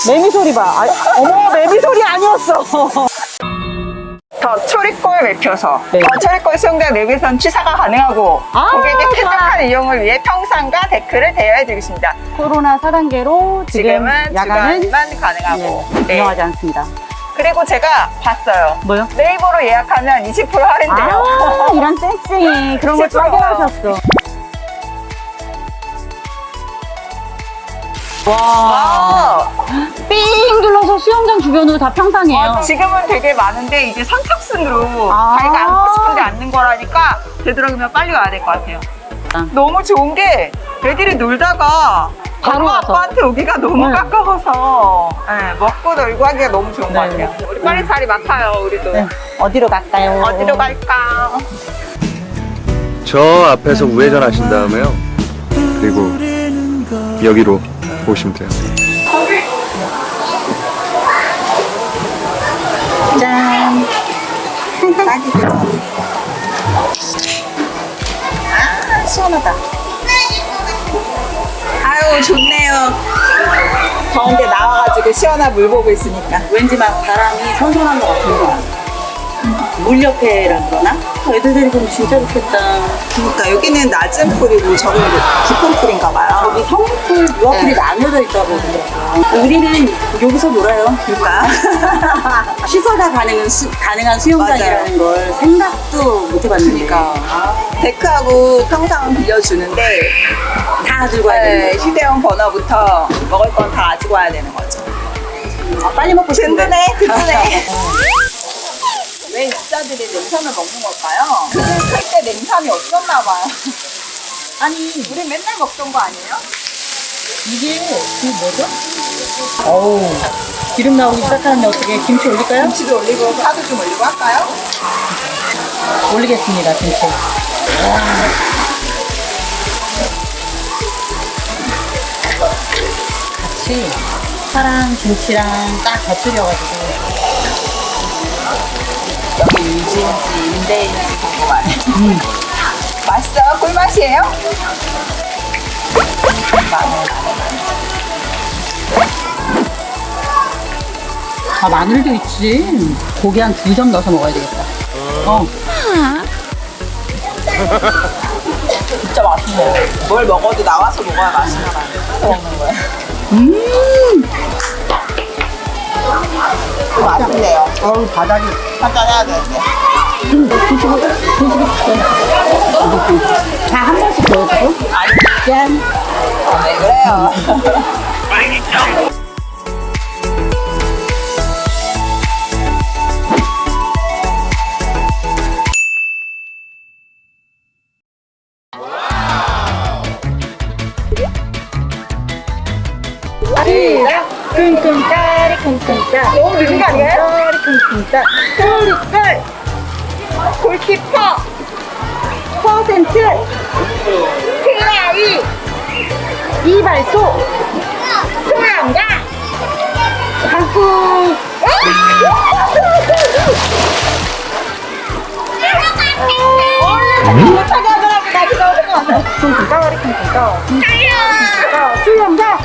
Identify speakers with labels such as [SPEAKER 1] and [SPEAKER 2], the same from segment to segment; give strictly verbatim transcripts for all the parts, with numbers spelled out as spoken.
[SPEAKER 1] 매미 소리 봐. 아, 어머, 매미 소리 아니었어.
[SPEAKER 2] 더 초리골 매표소.
[SPEAKER 1] 네.
[SPEAKER 2] 더 초리골 수영장 내비선 취사가 가능하고
[SPEAKER 1] 아,
[SPEAKER 2] 고객의
[SPEAKER 1] 좋아.
[SPEAKER 2] 쾌적한 이용을 위해 평상과 데크를 대여해드리겠습니다.
[SPEAKER 1] 코로나 사 단계로 지금
[SPEAKER 2] 지금은
[SPEAKER 1] 야간은
[SPEAKER 2] 주간만 가능하고.
[SPEAKER 1] 네,
[SPEAKER 2] 네.
[SPEAKER 1] 운영하지 않습니다.
[SPEAKER 2] 그리고 제가 봤어요.
[SPEAKER 1] 뭐요?
[SPEAKER 2] 네이버로 예약하면 이십 퍼센트 할인돼요.
[SPEAKER 1] 아, 이런 쌩쌩이 그런 걸
[SPEAKER 2] 이십 퍼센트.
[SPEAKER 1] 빠져하셨어. 와,
[SPEAKER 2] 와,
[SPEAKER 1] 삥 둘러서 수영장 주변으로 다 평상이에요.
[SPEAKER 2] 지금은 되게 많은데 이제 선착순으로
[SPEAKER 1] 아.
[SPEAKER 2] 자기가 앉고 싶은데 앉는 거라니까 되도록이면 빨리 와야 될 것 같아요.
[SPEAKER 1] 아.
[SPEAKER 2] 너무 좋은 게 애들이 놀다가
[SPEAKER 1] 바로
[SPEAKER 2] 엄마
[SPEAKER 1] 와서.
[SPEAKER 2] 아빠한테 오기가 너무
[SPEAKER 1] 네.
[SPEAKER 2] 가까워서 네, 먹고 놀고 하기가 너무 좋은 것
[SPEAKER 1] 네.
[SPEAKER 2] 같아요. 우리 빨리 자리 맡아요, 우리도.
[SPEAKER 1] 네. 어디로 갈까요?
[SPEAKER 2] 어디로 갈까?
[SPEAKER 3] 저 앞에서 우회전 하신 다음에요. 그리고 여기로 오시면 돼요.
[SPEAKER 1] 짠.
[SPEAKER 2] 아, 시원하다. 아유, 좋네요. 더운데 나와가지고 시원한 물 보고 있으니까.
[SPEAKER 1] 왠지 막 바람이 선선한 것 같은 거. 물 옆에라 그러나? 어, 애들 데리고 오면 진짜 좋겠다.
[SPEAKER 2] 그러니까 여기는 낮은 풀이고 저기는 깊은 풀인가 봐요.
[SPEAKER 1] 여기 성풀, 유아풀이
[SPEAKER 2] 네.
[SPEAKER 1] 나뉘어져 있다고 그러더라고요. 우리는 여기서 놀아요.
[SPEAKER 2] 그러니까.
[SPEAKER 1] 시설가 가능한, 수, 가능한 수영장이라는 걸 생각도 못 해봤는데.
[SPEAKER 2] 그러니까. 데크하고 평상은 빌려주는데
[SPEAKER 1] 다 들고 와야 되는
[SPEAKER 2] 네,
[SPEAKER 1] 거죠.
[SPEAKER 2] 휴대용 버너부터 먹을 건 다 가지고 와야 되는 거죠.
[SPEAKER 1] 아, 빨리 먹고 싶은데.
[SPEAKER 2] 든든해, 든든해. 왜 입자들이 냉삼을 먹는 걸까요? 그들 클때 냉삼이 없었나 봐요.
[SPEAKER 1] 아니,
[SPEAKER 2] 우리 맨날 먹던 거 아니에요?
[SPEAKER 1] 이게 그 뭐죠? 어우, 기름 나오기 시작하는데 어떻게 김치 올릴까요?
[SPEAKER 2] 김치도 올리고 파도 좀 올리고 할까요?
[SPEAKER 1] 올리겠습니다, 김치. 같이 파랑 김치랑 딱 곁들여가지고.
[SPEAKER 2] 여기 유지인지 임대인지 궁금하네. 음. 맛있어요? 꿀맛이에요? 마늘.
[SPEAKER 1] 아, 마늘도 있지. 고기 한 두 점 넣어서 먹어야 되겠다. 어.
[SPEAKER 2] 진짜 맛있네요. 뭘 먹어도 나와서 먹어야 맛있나 봐요. 그래서 먹는 거예요.
[SPEAKER 1] 음!
[SPEAKER 2] 맛있네요.
[SPEAKER 1] 어우, 바닥이.
[SPEAKER 2] 한잔 해야 되는데.
[SPEAKER 1] 다 한 번씩 넣어주고.
[SPEAKER 2] 아니,
[SPEAKER 1] 짠.
[SPEAKER 2] 왜 그래요?
[SPEAKER 1] 시작! 쿵쿵따리 쿵쿵따.
[SPEAKER 2] 너무 늦은 거 아니에요?
[SPEAKER 1] 따리 쿵쿵따.
[SPEAKER 2] 꿀꿀 골키퍼
[SPEAKER 1] 퍼센트
[SPEAKER 2] 트라이
[SPEAKER 1] 이발소
[SPEAKER 2] 소양가
[SPEAKER 1] 강풍
[SPEAKER 2] 얼른 못하게 하더라고. 나 지금 어떡해.
[SPEAKER 1] 쿵쿵따리 쿵쿵따.
[SPEAKER 2] 장난
[SPEAKER 1] 수영장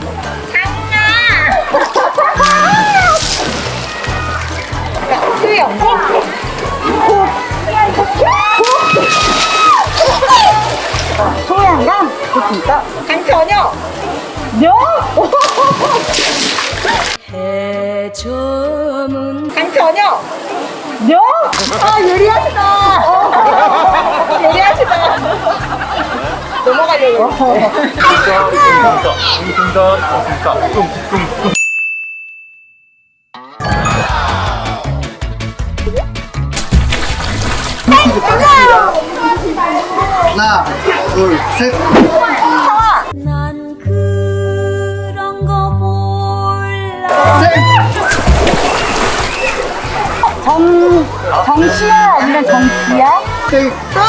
[SPEAKER 2] 수영가
[SPEAKER 1] 소양강 쿵쿵따.
[SPEAKER 2] 강천여
[SPEAKER 1] 명
[SPEAKER 2] 강천여
[SPEAKER 1] 명
[SPEAKER 2] 아 예리하시다. 예리하시다. 넘어가려고.
[SPEAKER 3] 하나, 둘, 셋.
[SPEAKER 4] 난 그런 거 몰라.
[SPEAKER 1] 정 정시야 아니면 정시야?
[SPEAKER 3] 땡.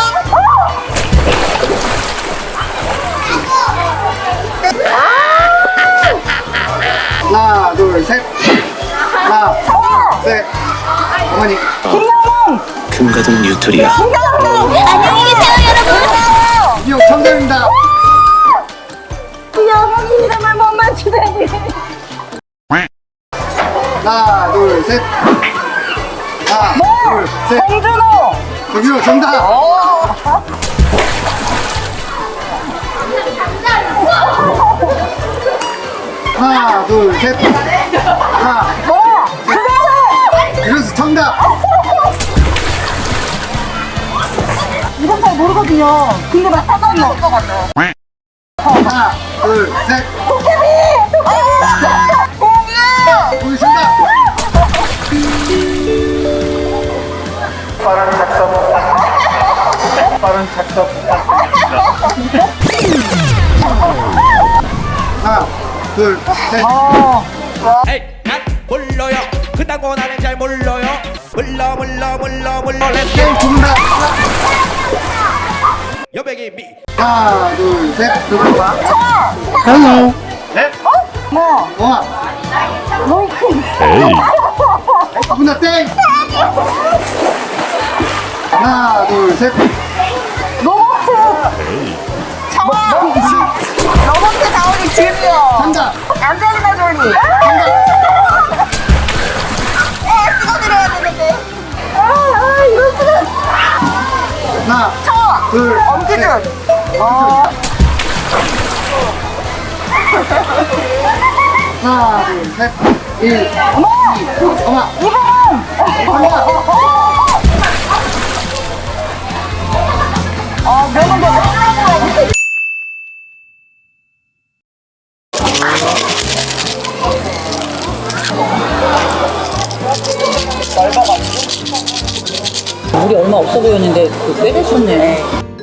[SPEAKER 3] 하나, 둘, 셋. 하나, 셋. 어머니.
[SPEAKER 5] 금가동 뉴트리아
[SPEAKER 4] 안녕히 계세요, 여러분.
[SPEAKER 3] 이용 정답입니다.
[SPEAKER 1] 이 어머니 이름을 못 맞추다니.
[SPEAKER 3] 셋. 하나, 둘, 셋.
[SPEAKER 2] 홍준호.
[SPEAKER 3] 정준호 정답. 하나, 둘, 셋. 하나.
[SPEAKER 2] 뭐?
[SPEAKER 3] 그래서 정답.
[SPEAKER 2] 이건 잘 모르거든요. 근데 막 사전이 없을 것 같아요.
[SPEAKER 3] 하나, 둘, 셋.
[SPEAKER 2] 도깨비! 공이야!
[SPEAKER 3] 우리 정답. 빠른 작성. 빠른 작성. 하나, 둘, 셋.
[SPEAKER 6] 에이, 난 몰라요. 그딴 거 나는 잘 몰라요. 몰라 몰라 몰라 몰라. Let's go.
[SPEAKER 3] 게임 정답.
[SPEAKER 6] 여백이 미.
[SPEAKER 3] 하나, 둘, 셋. 누구 봐?
[SPEAKER 2] 헬로.
[SPEAKER 3] 넷.
[SPEAKER 2] 뭐?
[SPEAKER 3] 와.
[SPEAKER 2] 로이크.
[SPEAKER 3] 문화 땡. 하나, 둘, 셋.
[SPEAKER 2] 로버트. 청아. 로버트 다우니 주니어.
[SPEAKER 3] 정답.
[SPEAKER 2] 안젤리나 졸리.
[SPEAKER 3] 정답.
[SPEAKER 2] 에, 찍어드려야 되는데. 아, 아, 이럴 수는.
[SPEAKER 3] 하나,
[SPEAKER 2] 청아.
[SPEAKER 3] 둘,
[SPEAKER 2] 엄기준.
[SPEAKER 3] 셋.
[SPEAKER 2] 어.
[SPEAKER 3] 하나, 둘, 셋. 일.
[SPEAKER 2] 어머.
[SPEAKER 3] 엄마.
[SPEAKER 2] 이분은.
[SPEAKER 3] 엄마.
[SPEAKER 2] 아, 명언도 하려고.
[SPEAKER 1] 물이 얼마 없어 보였는데 꽤 됐었네.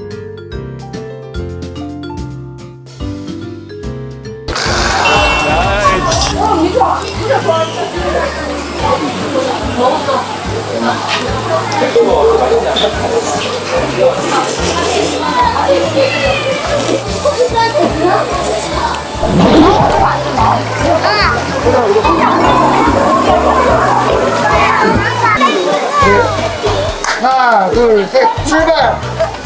[SPEAKER 3] 하나, 둘, 셋. 출발.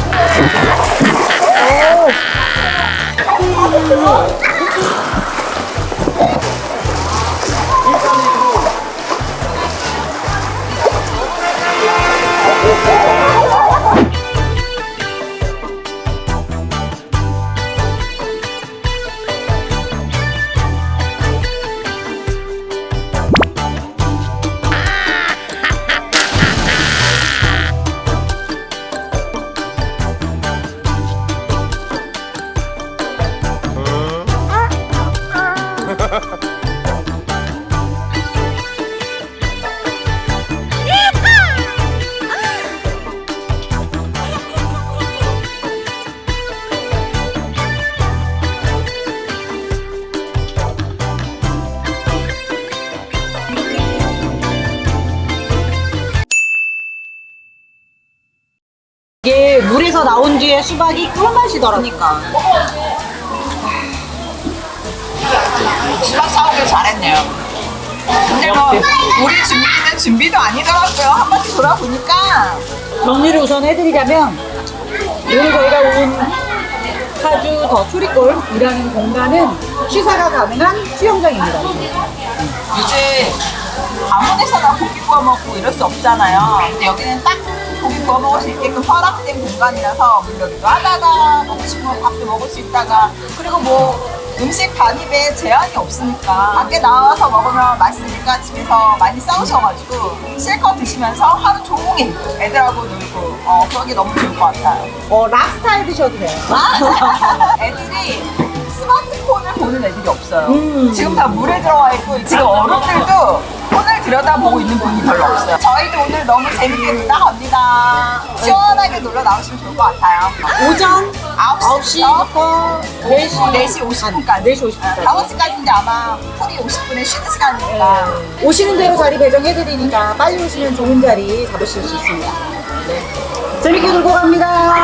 [SPEAKER 1] 이게 물에서 나온 뒤에 수박이 꿀맛이더라고요.
[SPEAKER 2] 그러니까. 수박 사오길 잘했네요. 근데 뭐 우리 준비는 준비도 아니더라고요. 한 바퀴 돌아보니까
[SPEAKER 1] 정리를 우선 해드리자면 오늘 저희가 온 파주 더 초리골이라는 공간은 취사가 가능한 수영장입니다.
[SPEAKER 2] 이제 아무 데서나 고기 구워 먹고 이럴 수 없잖아요. 근데 여기는 딱 고기 구워 먹을 수 있게끔 허락된 공간이라서 문 열기도 하다가 먹고 싶으면 밥도 먹을 수 있다가 그리고 뭐 음식 반입에 제한이 없으니까 밖에 나와서 먹으면 맛있으니까 집에서 많이 싸우셔가지고 실컷 드시면서 하루 종일 애들하고 놀고 어, 그러기 너무 좋을 것 같아요.
[SPEAKER 1] 어, 랍스타에 드셔도 돼요.
[SPEAKER 2] 애들이 스마트폰을 보는 애들이 없어요.
[SPEAKER 1] 음.
[SPEAKER 2] 지금 다 물에 들어와 있고 지금 어른들도 폰을 들여다보고 있는 분이 별로 없어요. 저희도 오늘 너무 재밌게 놀다 갑니다. 시원하게 놀러 나오시면 좋을 것 같아요.
[SPEAKER 1] 오전
[SPEAKER 2] 아홉 시부터
[SPEAKER 1] 네 시
[SPEAKER 2] 네 시 오십 분까지.
[SPEAKER 1] 네 시 오십 분까지.
[SPEAKER 2] 다섯 시까지인데 아마 풀이 오십 분에 쉬는 시간이니까.
[SPEAKER 1] 네. 오시는 대로 자리 배정해드리니까 빨리 오시면 좋은 자리 잡으실 수 있습니다. 네. 재밌게 놀고 갑니다.